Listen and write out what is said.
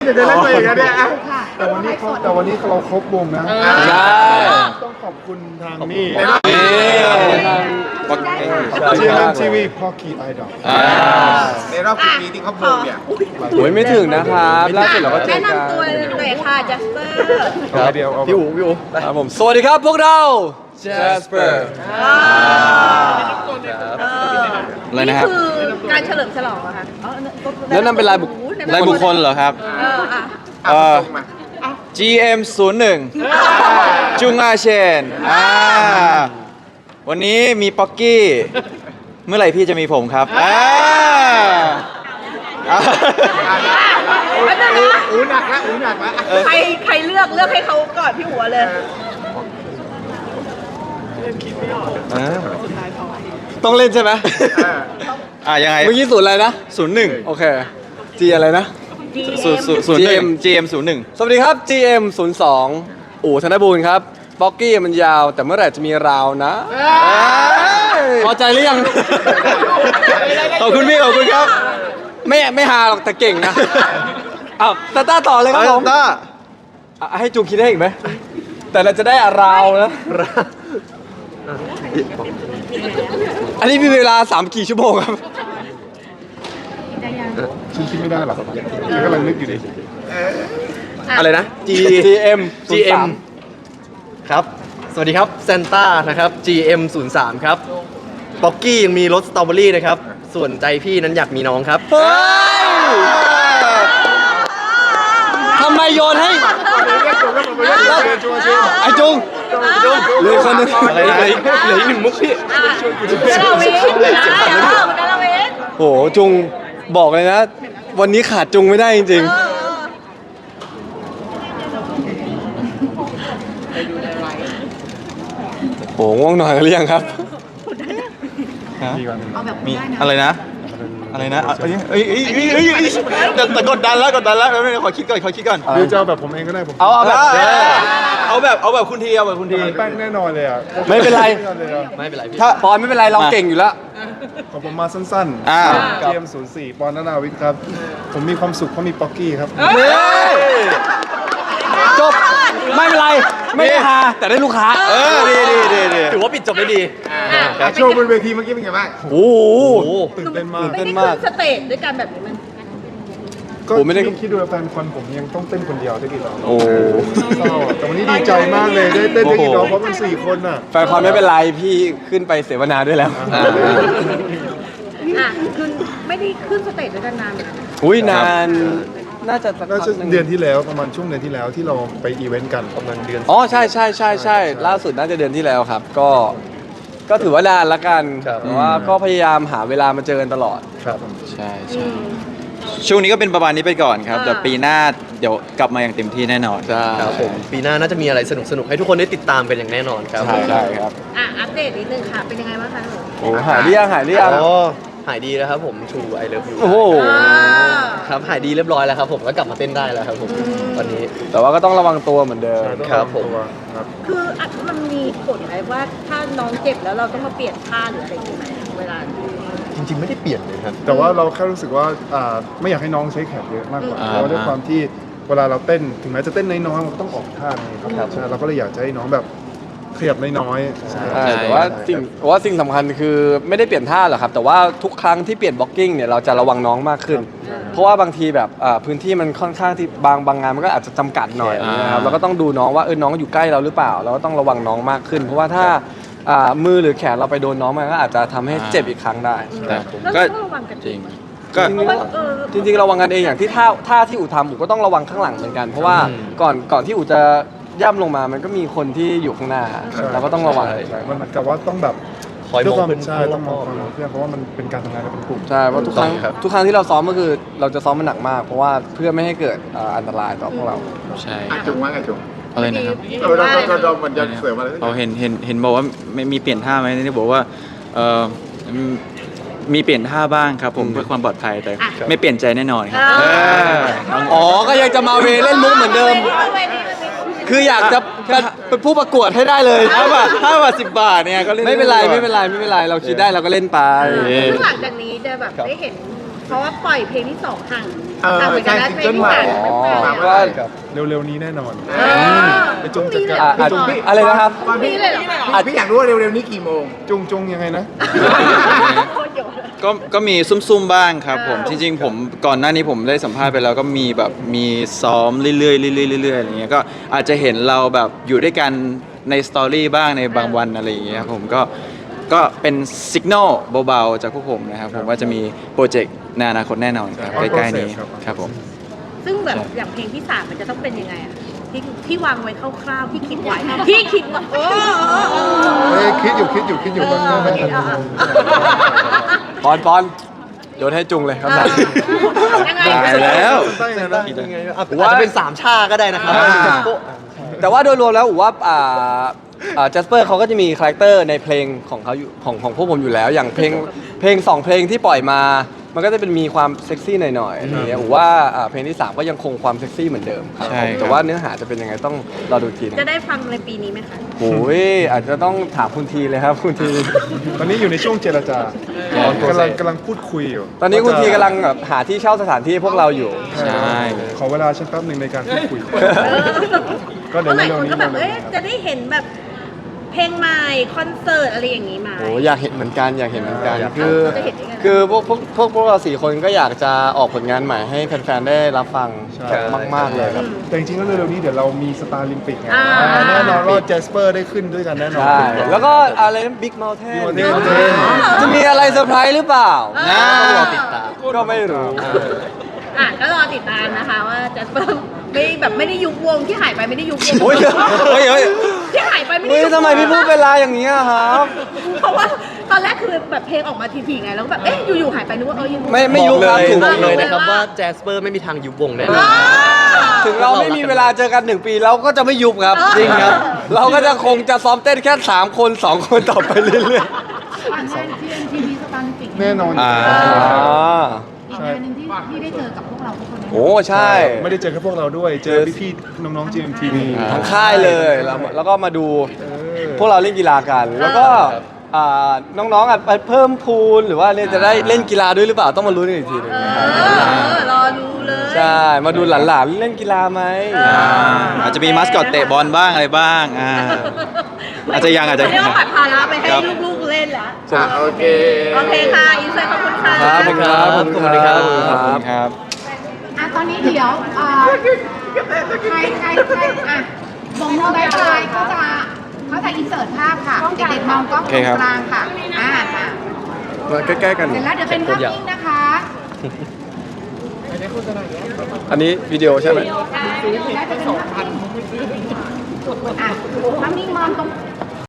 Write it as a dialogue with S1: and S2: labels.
S1: จะได้เล่นตัวเองนะเนี่ย
S2: แต่วันนี้เราครบวงนะ
S3: ใช่
S2: ต้องขอบคุณทางนี่
S3: เชียร์
S2: ทีวีพ่อคีไอดอล
S1: ในรอบกี่ปีที่เขาบูมเนี่ย
S3: โอ้ยไม่ถึงนะครับล่าสุดเราก็เจอ
S4: แนะ
S3: กัน
S4: นำตัวเลยค่ะจัสเปอร์
S2: ครับเดียวเอา
S3: พี่อูครับผมสวัสดีครับพวกเรา Jasper
S4: อะไรนะครับนี่คือการเฉลิมฉลองเหรอคะ
S3: แนะนำเป็นรายบุคคลเหรอครับ GM 01จุงอาเชนวันนี้มีป๊อกกี้ เมื่อไหร่พี่จะมีผมครับ
S1: อูหนักแล้ว
S4: ใครเลือกให้เขาก่อนพี่หัวเลย
S3: ต้องเล่นใช่ไหมยังไงเมื่อกี้01อะไรนะ01โอเค G อะไรนะGM 01สวัสดีครับ GM 02อู่ธนบูรณ์ครับบ็อกกี้มันยาวแต่เมื่อไหร่จะมีราวนะพอใจหรือยังขอบคุณพี่ขอบคุณครับไม่ฮาหรอกแต่เก่งนะอ้าวต้าต่อเลยครับผมต้าให้จูคิดได้อีกไหมแต่เราจะได้ราวนะอันนี้มีเวลา3 กี่ชั่วโมงครับ
S2: คิดไม่ได้หรอกกำลังนึกอยู่ดิ
S3: อะไรนะ
S5: GM ครับ สวัสดีครับเซนต้านะครับ GM 03ครับป๊อกกี้ยังมีรสสตรอเบอรี่นะครับ ส่วนใจพี่นั้นอยากมีน้องครับ
S3: ทำไมโยนให้ไอจุงเหลือคนนึง
S5: อะไรนะเหลืออีก1 มุกพี่
S4: ดาราเวน
S3: โหจุงบอกเลยนะ วันนี้ขาดจุงไม่ได้จริงๆโหง่วงนอนกันหรือยังครับมีอะไรนะแต่กดดันแล้วไม่ขอคิดก่อน
S2: หรือจะเอาแบบผมเองก็ได้ผม
S3: เอาแบบคุณที
S2: แป้งแน่นอนเลยอ่ะ
S3: ไม่เป็นไร
S5: ไม่เป็นไรพี่
S3: ถ้าปอนไม่เป็นไรเราเก่งอยู่แล้ว
S2: ของผมมาสั้นๆเกม04ปอนนาวิทย์ครับผมมีความสุขเพราะมีป๊อกกี้ครับ
S3: จบไม่เป็นไรไม่ได้ฮาแต่ได้ลูกค้าดี
S5: ถือว่าปิดจบได้ดี
S1: โชว์บนเวทีเมื่อกี้เป็นไงบ้าง
S3: โอ้โห
S2: ตื่นเต้นมาก
S4: ไม่ได้ขึ้นสเตจด้วยกันแบบนี้มัน
S2: ก็
S3: ผมไม่ได้
S2: คิดดูแฟนคอนผมยังต้องเต้นคนเดียวได้กี่รอบ
S3: โอ้
S2: เศร้าแต่วันนี้ดีใจมากเลยได้เต้นได้กี่รอบเพราะมัน4 คนน่ะ
S3: แฟนคอนไม่เป็นไรพี่ขึ้นไปเสวนาด้วยแล้ว
S4: คือไม่ได้ขึ้นสเตจด้วยกันนาน
S3: อุ้ยนานน่าจะสัก
S2: น่า
S3: พัก
S2: จะ
S3: หนึ่ง
S2: เดือนที่แล้วประมาณช่วงเดือนที่แล้วที่เราไปอีเวนต์กันประมาณเดือน
S3: อ๋อใช่ล่าสุดน่าจะเดือนที่แล้วครับ ก็ถือว่านานละกันแต่ว่าก็พยายามหาเวลามาเจอกันตลอด
S2: ครับ
S6: ใช่ช่วงนี้ก็เป็นประมาณนี้ไปก่อนครับแต่ปีหน้าเดี๋ยวกลับมาอย่างเต็มที่แน่นอน
S3: ใช่
S5: ครับผมปีหน้าน่าจะมีอะไรสนุกๆให้ทุกคนได้ติดตามกันอย่างแน่นอนครับ
S3: ใช่ครับ
S4: อัปเดตนิดนึงค่ะ เป็นยังไงบ้างคะ
S3: โอ้หายหรือยัง
S5: อ๋อหายดีแล้วครับผม True I Love You
S3: โอ้โห
S5: ครับหายดีเรียบร้อยแล้วครับผมก็กลับมาเต้นได้แล้วครับผมตอนนี้
S3: แต่ว่าก็ต้องระวังตัวเหมือนเดิม
S5: ครับผม
S2: ครับ
S4: คือมันมีผลอะไรว่าถ้าน้องเจ็บแล้วเราต้องมาเปลี่ยนท่าหรืออะไรอย่างเงี้ยเวลา
S5: จริงๆไม่ได้เปลี่ยนเลยครับ
S2: แต่ว่าเราแค่รู้สึกว่าไม่อยากให้น้องใช้แขนเยอะมากกว่า
S6: อ่า
S2: เพราะว่าด้วยความที่เวลาเราเต้นถึงแม้จะเต้นน้อยๆมันก็ต้องออกท่าไงครับใช่เราก็เลยอยากจะให้น้องแบบขยับน้อยๆ
S3: ใช่แต่ว่าสิ่งสำคัญคือไม่ได้เปลี่ยนท่าหรอกครับ แต่ว่าทุกครั้งที่เปลี่ยนบล็อกกิ้งเนี่ยเราจะระวังน้องมากขึ้น เพราะว่าบางทีแบบพื้นที่มันค่อนข้างที่บางงานมันก็อาจจะจำกัดหน่อยนะครับเราก็ต้องดูน้องว่าน้องอยู่ใกล้เราหรือเปล่าเราก็ต้องระวังน้องมากขึ้น เพราะว่าถ้ามือหรือแขนเราไปโดนน้องมันก็อาจจะทำให้เจ็บอีกครั้งได้
S6: แต่
S4: แล้ว
S6: ก็
S4: ต้องระวังกัน
S6: จริงก็
S3: จริงๆระวังกันเองอย่างที่ท่าที่อู่ทำอู่ก็ต้องระวังข้างหลังเหมือนกัน เพราะว่าก่อนที่อู่จะย่ำลงมามันก็มีคนที่อยู่ข้างหน้าเราก็ต้องระวัง
S2: ใช่มันเหมือนกับว่าต้องแบบ
S5: คอยมอง
S2: ด้วยความ
S5: เพื่อน
S2: ใช่ต้องมองเพื่อนเพราะว่ามันเป็นการทำงานกันเป็นกลุ่ม
S3: ใช่เพราะทุกครั้ง
S5: ครับ
S3: ทุกครั้งที่เราซ้อมก็คือเราจะซ้อมมันหนักมาก เพราะว่าเพื่อไม่ให้เกิดอันตรายต่อพวกเรา
S6: ใช่
S1: จุงว่าไงจุง
S6: อะไรนะครับ
S1: เราเหมือนจะเสริมอะไร
S6: เราเห็นบอกว่าไม่มีเปลี่ยนท่าไหมนี่บอกว่ามีเปลี่ยนท่าบ้างครับผมเพื่อความปลอดภัยแต่ไม่เปลี่ยนใจแน่นอนครับ
S3: อ๋อก็ยังจะมาเวเล่นมุกเหมือนเดิม คืออยากจะเป็นผู้ประกวดให้ได้เลย
S6: 5 บาท 10 บาทเนี่ยก็เล่น
S3: ไม่เป็นไรเราคิดได้เราก็เล่นไป
S4: ซึ่งหลังจากนี้จะแบบได้เห็นเพราะว่าปล่อยเพลงที่สองห่าง
S1: เออ
S4: ห่างเหมือนกันนะ
S1: ใช่
S4: เพลงที่สาม
S1: ซิงเกิลใหม่
S4: ยังไม่ปล่อย
S1: มา
S4: อะ
S1: เมื่อไหร่
S2: ครับเร็วๆนี้แน่นอน
S4: เออ
S2: ไปจุงจัด
S4: พรุ่
S2: การ
S4: งนี้เลยเหรอ
S3: อะไรนะครับ
S4: พรุ่งนี้เลยเหรอ
S1: พี่อยากรู้ว่าเร็วๆนี้กี่โมง
S2: จุงยังไงนะ
S6: ก็มีซุ่มๆบ้างครับผมจริงๆผมก่อนหน้านี้ผมได้สัมภาษณ์ไปแล้วก็มีแบบมีซ้อมเรื่อยๆเรื่อยๆเรื่อยๆอะไรเงี้ยก็อาจจะเห็นเราแบบอยู่ด้วยกันในสตอรี่บ้างในบางวันอะไรอย่างเงี้ยครับผมก็เป็นสัญญาณเบาๆจากพวกผมนะครับผมว่าจะมีโปรเจกต์ในอนาคตแน่นอนครับใกล้ๆนี้ครับผม
S4: ซึ่งแบบอย่างเพลงที่สามมันจะต้องเป็นยังไงอะที่วางไว้คร่าวๆที่คิดไว้ที่คิดว่าโอ้
S2: เอ้ยคิดอยู่บางเรื่องไม่ทัน
S3: ปอนโยนให้จุงเลยครับ
S4: ยังไง
S6: ตายแล้ว
S2: ตั้งนะ
S5: ยังไงอาจจะเป็น3ชาก็ได้นะครับ
S3: แต่ว่าโดยรวมแล้วผมว่าแจสเปอร์เขาก็จะมีคาแรคเตอร์ในเพลงของเขาอยู่ของพวกผมอยู่แล้ว อย่างเพลง2เพลงที่ปล่อยมา มันก็จะเป็นมีความเซ็กซี่หน่อยๆอะไรเงี้ยผมว่าเพลงที่3ก็ยังคงความเซ็กซี่เหมือนเดิมครับ
S6: ใช่ครับ
S3: แต่ว่าเนื้อหาจะเป็นยังไงต้องรอดูทีนะ
S4: จะได้ฟังในปีนี้ไหมคะ
S3: โอ้ยอาจจะต้องถามคุณทีเลยครับคุณที
S2: ตอนนี้อยู่ในช่วงเจรจากำลังพูดคุยอยู่
S3: ตอนนี้คุณทีกำลังแบบหาที่เช่าสถานที่ให้พวกเราอยู่
S6: ใช่
S2: ขอเวลาฉันแป๊บหนึ่งในการพูดคุย ก็เดี๋ยว
S4: หลาย
S2: เร็ว
S4: คน
S2: ๆนี้
S4: ก็แบบ
S2: เร็วๆ
S4: เอ๊ะ
S2: นี้
S4: จะได้เห็นแบบเพลงใหม่คอนเสิร์ตอะไรอย่างนี้มา
S3: โอ้อยากเห็นเหมือนกันอยากเห็นเหมือนกัน
S4: คือ
S3: พวกเรา4 คนก็อยากจะออกผลงานใหม่ให้แฟนๆได้รับฟังมากๆเลยครับ
S2: แต่จริงๆแล้วเร็วๆนี้เดี๋ยวเรามีสตาร์ลิมปิกไง
S4: อ่า
S2: แน่นอนว่าแจสเปอร์ได้ขึ้นด้วยกันแน่นอน
S3: ใช่แล้วก็อะไรนะบิ๊กเมลเทน
S2: Big Mountain
S3: จะมีอะไรเซอร์ไพรส์หรือเปล่า
S5: ต้องรอติดตาม
S3: ก็ไม่รู้
S4: ก็รอติดตามนะคะว่าจะไม่ได้ยุบวงที่หายไปไม่ได้ยุบวง
S3: โอ้ยเฮ้ย
S4: ที่หายไปไม่ได้
S3: เฮ้ย
S4: ยุบวง
S3: ทำไมพี่พูดเวลาอย่างนี้อะครับ
S4: เพราะว่าตอนแรกคือแบบเพลงออกมาทีๆไงแล้วก็แบบเอ๊ะอยู่ๆหายไปนึกว่ายัง
S3: ไม่ยุบครับถึง
S5: บอกเลยนะครับว่าแจสเปอร์ไม่มีทางยุบวงแน่นอน
S3: ถึงเราไม่มีเวลาเจอกัน1 ปีเราก็จะไม่ยุบครับ จริงครับ เราก็จะคงจะซ้อมเต้นแค่3 คน 2 คนต่อไปเรื่อย
S7: งาน GMTV สตาร์ลิมปิก
S2: แน่นอน
S6: อ่า
S3: ๆ
S7: อีกงานหนึ่งที่ได้เจอกับพวกเราทุกคนนะ
S3: โอ้ใช่
S2: ไม่ได้เจอแค่พวกเราด้วย เจอพี่ๆน้องๆ GMTV
S3: ทั้งค่ายเลยแล้วก็มาดูพวกเราเล่นกีฬากัน แล้วก็น้องๆไปเพิ่มพูลหรือว่าเนี่ยจะได้เล่นกีฬาด้วยหรือเปล่าต้องมาลุ้นกันอีกทีหนึงนะครับ
S4: รอดูเลย
S3: ใช่ มาดูหลานๆเล่นกีฬาไหม
S6: อาจจะมีมัสคอตเตะบอลบ้างอะไรบ้างอาจจะยัง
S4: เรียกว่าปัดภาระไปให้ลูกๆเล่นแล้ว
S1: โอเค
S4: โอเคค่ะอินเสิร์ตขอบคุณค่ะ
S3: ครับขอบคุณครับ
S6: ขอบคุณครับ
S7: อ่ะตอนนี้เดี๋ยวใครอ่ะวงบายบายเขาจะอินเสิร์ตภาพค่ะ เด็กๆมองกล้องตรงกลางค่ะค่ะ
S3: มาใกล้ๆกัน
S7: เสร็จแล้วเดี๋ยวเป็นภาพนิ่งนะคะ
S3: อันนี้วิดีโอใช่ไหม
S7: แล้วจะเป็นภาพนิ่งอ่ะภาพนิ่งมองตรง